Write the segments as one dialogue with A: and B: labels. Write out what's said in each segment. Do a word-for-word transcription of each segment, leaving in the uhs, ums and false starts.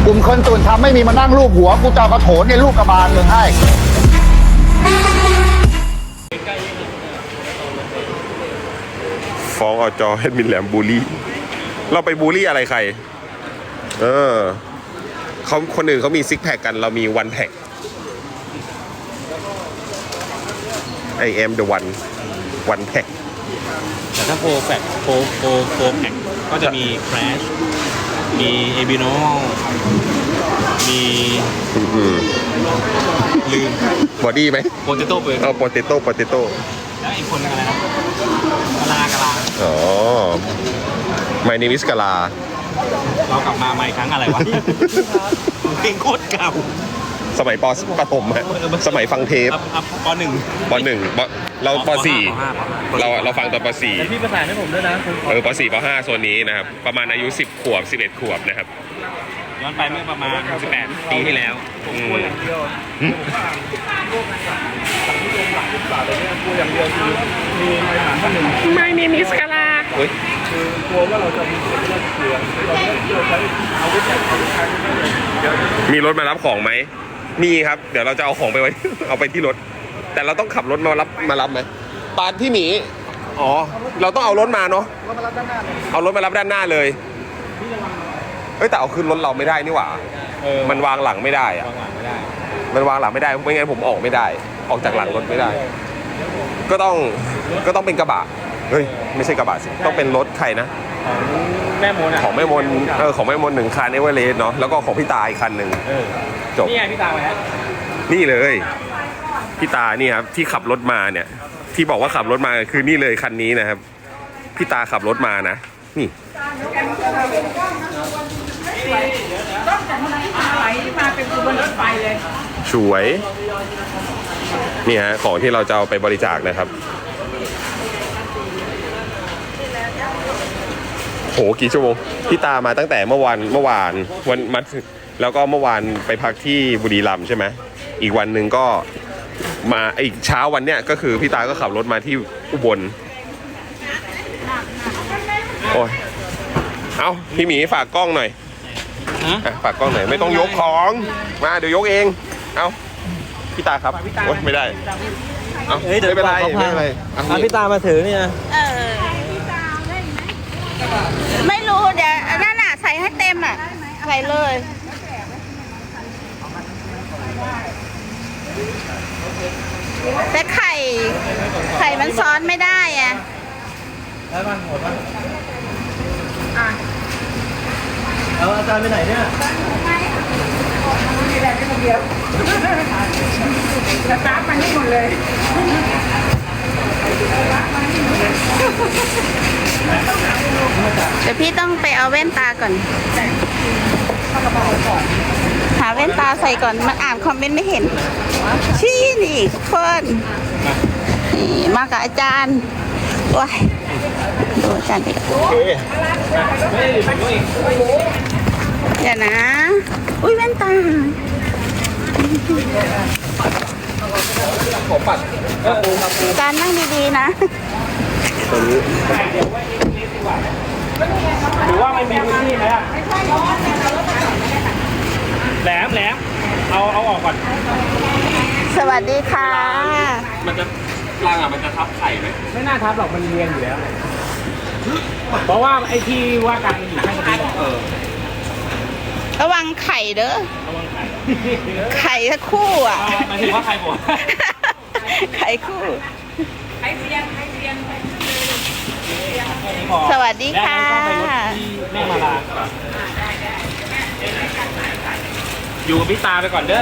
A: กลุ่มคนตื่นทำไม่มีมานั่งรูปหัวกูจะเอากระโถนในลูกกระบาลมึงให้
B: ฟ้องอจแอดมินแหลมบูลลี่เราไปบูลลี่อะไรใครเออเขาคนอื่นเขามีซิกแพคกันเรามีวันแพ็ค I am the one one pack
C: แต่ถ้าโปรแฟกโปรโปรโปรแพ็คก็จะมี Crash มีเอบิโนมีลืม
B: บอดี้ไหม
C: โปเตโต้เปิด
B: เอาโปเตโต้โปเตโต้
C: แล้วอีกคนอะไรนะกะลากะลา
B: อ๋อ My name is กะลา
C: เรากลับมาใหม่ครั้งอะไรวะเพลงโคตรเก่า
B: สมัยปปฐมฮะสมัยฟังเทป
C: ปหนึ่ง
B: ปหนึ่งเราปสี่เราเราฟังตอนปสี่
C: พี่ประสานให้ผมด้วยนะ
B: เออปสี่ปห้าโซนนี้นะครับประมาณอายุสิบขวบสิบเอ็ดขวบนะครับ
C: ย้อนไปเมื่อประมาณสิบแปดปีที่แล้ว
D: ไม่มีมิสกาลา
B: คือกลัวว่าเราจะมีเรื่องเกลือเราใช้อาวุธเนี่ยมีรถมารับของไหมมีครับเดี๋ยวเราจะเอาของไปไว้เอาไปที่รถแต่เราต้องขับรถมารับมารับไหมปานพี่หมีอ๋อเราต้องเอารถมาเนาะเอารถมารับด้านหน้าเลยเอ้ยแต่เอาขึ้นรถเราไม่ได้นี่หว่ามันวางหลังไม่ได้อะมันวางหลังไม่ได้ไม่งั้นผมออกไม่ได้ออกจากหลังรถไม่ได้ก็ต้องก็ต้องเป็นกระบะเฮ้ยไม่ใช่กระบะสิต้องเป็นรถใครนะ
C: แม่มน
B: ของแม่มนเออของแม่มนหนึ่งคันเอเวอเรสต์เนาะแล้วก็ของพี่ตาอีกคันหนึ่งจบ
C: นี่ไงพี่ตาไปแล้ว
B: นี่เลยพี่ตานี่ครับที่ขับรถมาเนี่ยที่บอกว่าขับรถมาคือนี่เลยคันนี้นะครับพี่ตาขับรถมานะนี่
D: ต้องจากที่มาไหลมาเป็นขบวนรถไฟเลย
B: สวยนี่ฮะของที่เราจะเอาไปบริจาคนะครับโหกี่ชั่วโมงพี่ตามาตั้งแต่เมื่อวานเมื่อวานวันมัดแล้วก็เมื่อวานไปพักที่บุรีรัมย์ใช่ไหมอีกวันหนึ่งก็มาอีกเช้าวันเนี้ยก็คือพี่ตาก็ขับรถมาที่อุบลโอ้ยเอาพี่หมีฝากกล้องหน่อยฝากกล้องหน่อยไม่ต้องยกของมาเดี๋ยวยกเองเอาพี่ตาครับโอ้ยไม่ได้เอาไม่เป็นไรไม่เป็นไร
C: เอาพี่ตามาถือเนี่ย
D: เออไม่รู้เดี๋ยวนั่นน่ะใส่ให้เต็มอ่ะใส่เลยแต่ไข่ไข่มันซ้อนไม่ได้อ่ะ
C: ได้บ้างหมดบ้างเอาอาจารย์ไปไหนเนี่ย
D: มีแบบนี้คนเดียวสตาร์ทมันนี่หมดเลยเดี๋ยวพี่ต้องไปเอาแว่นตาก่อนหาแว่นตาใส่ก่อนมันอ่านคอมเมนต์ไม่เห็นชี้นี่คนนี่มากับอาจารย์ว้ายดูอาจารย์ดิเดี๋ยวนะอุ้ยแว่นตาการนั่งดีๆนะ
C: หรือว่าไม่มีพื้นที่ไหมอ่ะแหลมแหลมเอาเอาออกก่อน
D: สวัสดีค่ะ
C: มันจะรังอ่ะมันจะทับไข่ไหมไม่น่าทับหรอกมันเรียงอยู่แล้วเพราะว่าไอ้ที่ว่าการมันอยู่ข้างบนเออ
D: ระวังไข่เด้อ
C: ระวังไข่
D: ไข่ทั้งคู่อ่ะ
C: หมายถึงว่าไข่หมด
D: ไข่คู่ไข่เสียงไข่เสียงสวัสดีค่ะ
C: แม่มาลาอยู่กับพี่ตาไปก่อนเด้อ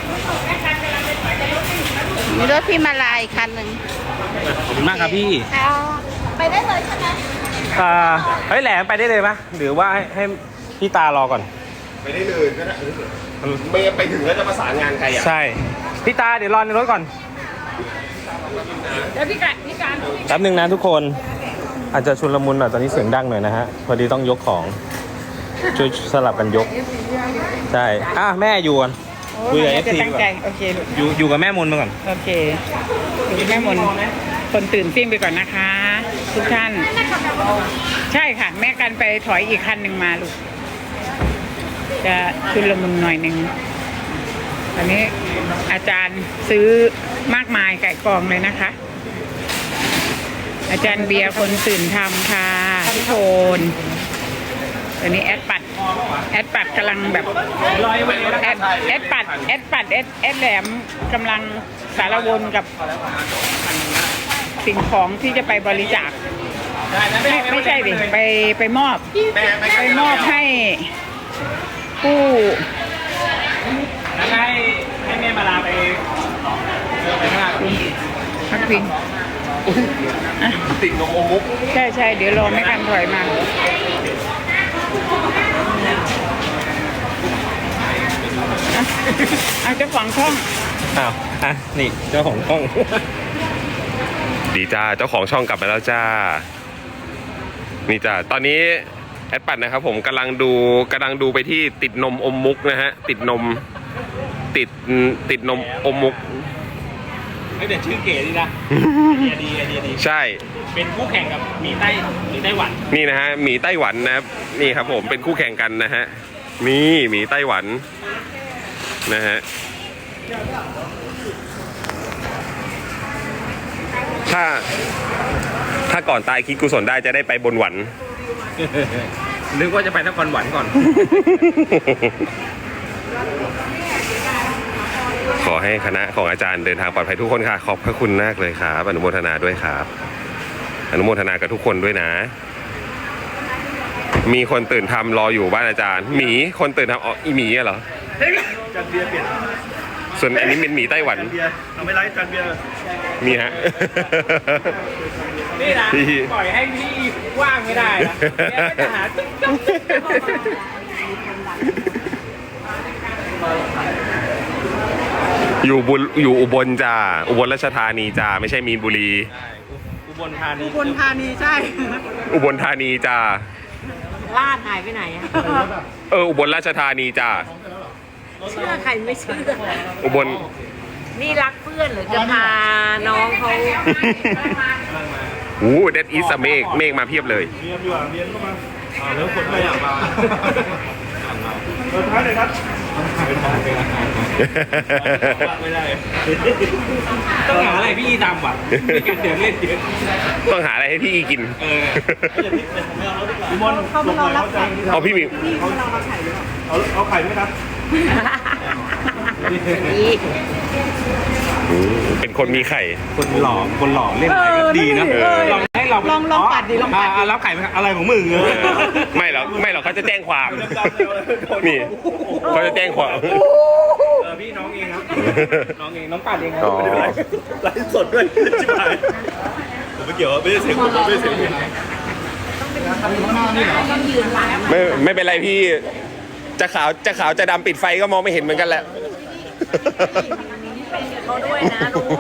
D: มีรถพี่มาลายคันหนึ่ง
C: ขอบคุณมากครับพี่
D: ไปได้เลยใช่ไหม
C: อ่าเฮ้ยแหลมไปได้เลยไหมหรือว่าให้ให้พี่ตารอก่อน
B: ไปได้เลยก็ได้ไม่ไปถึงแล้วจะประสานงานใครอ่ะ
C: ใช่พี่ตาเดี๋ยวรอในรถก่อน
D: เดี๋ยวพี่การพี่การ
C: แป๊บนึงนะทุกคนอาจจะชุลมุนหน่อยตอนนี้เสียงดังหน่อยนะฮะพอดีต้องยกของช่วยสลับกันยกใช่อ่ะแม่อยู่ก่อนคุยกับเอฟซีก่อน
D: โอเค
C: อยู่อยู่กับแม่มนมาก่อน
D: โอเคอยู่แม่มนคนตื่นซิ่งไปก่อนนะคะทุกท่านใช่ค่ะแม่กันไปถอยอีกคันหนึ่งมาลูก
E: จะชุลมุนหน่อยหนึ่งตอนนี้อาจารย์ซื้อมากมายไก่กองเลยนะคะ อาจารย์เบียร์คนตื่นทำค่ะพี่โทนตอนนี้แอดปัดแอดปัดกำลังแบบแอดแอดปัดแอดปัดแอดแอดแหลมกำลังสารวนกับสิ่งของที่จะไปบริจาคไม่ไม่ใช่ดิไปไปมอบไปมอบให้ผู้ให้ให้แม่มาลาไปไปข้างหน้าพักพิง
B: ติดนมอมมุก
E: ใช่ใช่เดี๋ยวรอไม่กันถอยมาเอาเจ้าของช่อง
C: อ้าวอ่ะนี่เจ้าของช่อง
B: ดีจ้าเจ้าของช่องกลับมาแล้วจ้านี่จ้าตอนนี้แอดปัดนะครับผมกำลังดูกำลังดูไปที่ติดนมอมมุกนะฮะติดนมติดติดนมอมมุก
C: ไม่แต่ชื่อเก๋ดีนะไอเดียดีไอเดียดี
B: ใช่
C: เป็นคู่แข่งกับหมีไต้หมีไต้หวัน
B: นี่นะฮะหมีไต้หวันนะครับนี่ครับผมเป็นคู่แข่งกันนะฮะนี่หมีไต้หวันนะฮะถ้าถ้าก่อนตายคิดกุศลได้จะได้ไปบนหวัน
C: นึกว่าจะไปนครหวันก่อน
B: ขอให้คณะของอาจารย์เดินทางปลอดภัยทุกคนค่ะขอบพระคุณมากเลยครับอนุโมทนาด้วยครับอนุโมทนากับทุกคนด้วยนะมีคนตื่นทำรออยู่บ้านอาจารย์หมีคนตื่นทำอ๋ออีหมีเหรอ
C: จันเบียร์เปลี่ยน
B: ส่วนอันนี้เป็นหมีไต้หวัน
C: เบียร์ทำไม่ไรจันเบียร์
B: มีฮะ
C: นี่นะปล่อยให้พี่ว่างไม่ได้นะแกก็จะหาติ๊กต๊อกติ๊กต๊อก
B: อยู่บุอยู่อุบลจ้าอุบลราชธานีจ้าไม่ใช่มีนบุรี
C: อุบลธานี
E: อุบลธานีใช่
B: อุบลธานีจ้า
F: ลาดหายไปไหนอะ
B: เอออุบลราชธานีจ้า
F: เชื่อใครไม่เชื่อ
B: อุบล
F: นี่รักเพื่อนหรือจะพาน้องเขา
B: โอ้เดดอีสเมฆเมฆมาเพียบเลย
C: เรียนอยู่อ่ะเรียนเข้ามาอ่าแล้วคนไม่อยากมาเออท้ายเลยครับไม่ได้ต้องหาอะไรพี่ทำว่ะไม่กันเดี๋ยวเล่นเยอะ
B: ต้องหาอะไรให้พี่กิน
C: เออพี่มอนเขาไม่รอรับไข่
B: เอาพี่หมี
C: เขาเอาเอาไข่ไหมครับ
B: เป็นคนมีไข่
C: คนหล่อคนหล่อเล่นอะไรก็ดีนะ
B: เออ
C: ลองให้เรา
E: ลองลองปัดดิลองปัดดิ
C: อ่ารับไข่ไหมครับอะไรของมึงเออ
B: ไม่หรอกไม่หรอกเขาจะแจ้งความนี่เขาจะแจ้งความ
C: เออพี่น้องเองครับน้องเองน้องปัดเองครั
B: อ๋อ
C: ไลฟ์สดด้วยชิบหายผมไม่เกี่ยวไม่ได้เสียงผมไม่ได้เสียง
B: ไม่ไม่เป็นไรพี่จะขาวจะขาวจะดำปิดไฟก็มองไม่เห็นเหมือนกันแหละ
F: เขาด้วยนะลูก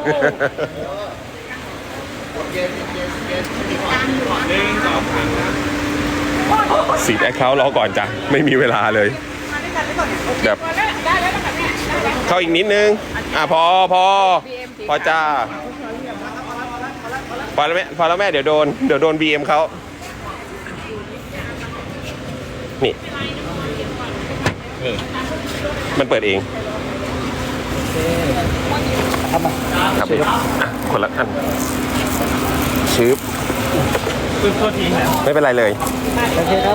B: สีดแอคเคาท์รอก่อนจ้ะไม่มีเวลาเลยแบบเข้าอีกนิดนึงอ่ะพอพอพอจ้าพอแล้วแม่พอแล้วแม่เดี๋ยวโดนเดี๋ยวโดน บี เอ็ม เขานี่มันเปิดเองครับพี่อ่ะคนละอันชืบไม่เป็นไรเลยโอเคครับ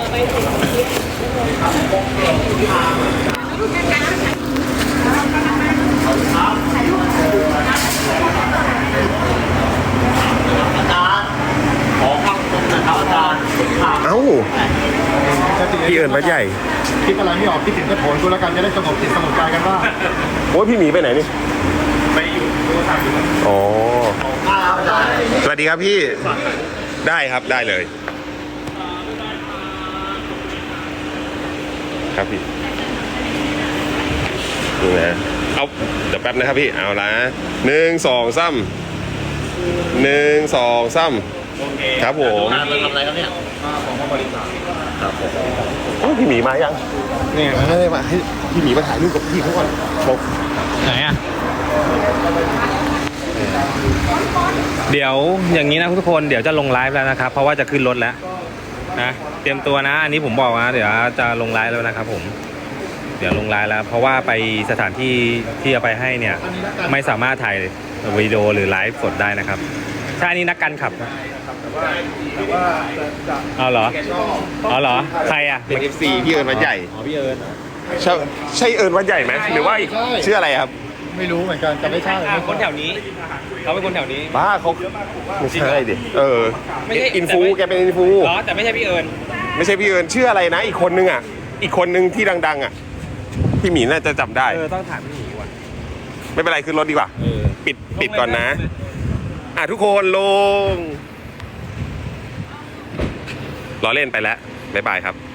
B: เอ้าพี่เอิญวัดใหญ่
A: คิดอะไรไม่ออกคิดถึงกระโถนกูแล้วกันจะได้สงบจิตสงบใจกันว่า
B: โอ้ยพี่หมีไปไหนนี่ไปอยู่อ๋อสวัสดีครับพี่ได้ครับได้เลยครับพี่นี่นะเอาเดี๋ยวแป๊บนะครับพี่เอาละหนึ่งสองซ้ำหนึ่งสองซ้ำครับผมทำอะไรครับเนี่ยของบริษัทครับผมพี่หมีมายังเนี่ยมาให้พี่หมีมาถ่ายรูปกับพี่เขาก่อนบอก
C: ไหนอ่ะเดี๋ยวอย่างนี้นะทุกคนเดี๋ยวจะลงไลฟ์แล้วนะครับเพราะว่าจะขึ้นรถแล้วนะเตรียมตัวนะอันนี้ผมบอกนะเดี๋ยวจะลงไลฟ์แล้วนะครับผมเดี๋ยวลงไลน์แล้ว เพราะว่าไปสถานที่ที่เอาไปให้เนี่ย ไม่สามารถถ่ายวิดีโอหรือไลฟ์สดได้นะครับใช่อันนี้นักการขับนะเอาเหรอเอาเหรอใครอ่ะ
B: เป็น เอฟ ซี พี่เอิญวัดใหญ่
C: อ๋อพี่เอิญ
B: ใช่ใช่เอิญวัดใหญ่ไหมหรือว่าอีกชื่ออะไรครับ
A: ไม่รู้เหมือนกันจะไม่ใช่
C: อ่ะคนแถวนี้เขาเป็นคนแถวนี้
B: บ้าเขาไม่ใช่ดิเออ
C: ไม่ใช่
B: อินฟู
C: แต่ไม่
B: แกเป็นอินฟู
C: เหรอแต่ไม่ใช่พี่เอิญ
B: ไม่ใช่พี่เอิญชื่ออะไรนะ อีกคนนึงอ่ะ อีกคนนึงที่ดัง ๆ อ่ะ พี่หมีน่าจะจำได้
C: เออต้องถามพี่หมีก่อน
B: ไม่เป็นไรขึ้นรถดีกว่า
C: เออ
B: ปิดปิดก่อนนะ อ่ะทุกคนลงล้อเล่นไปแล้วบ๊ายบายครับ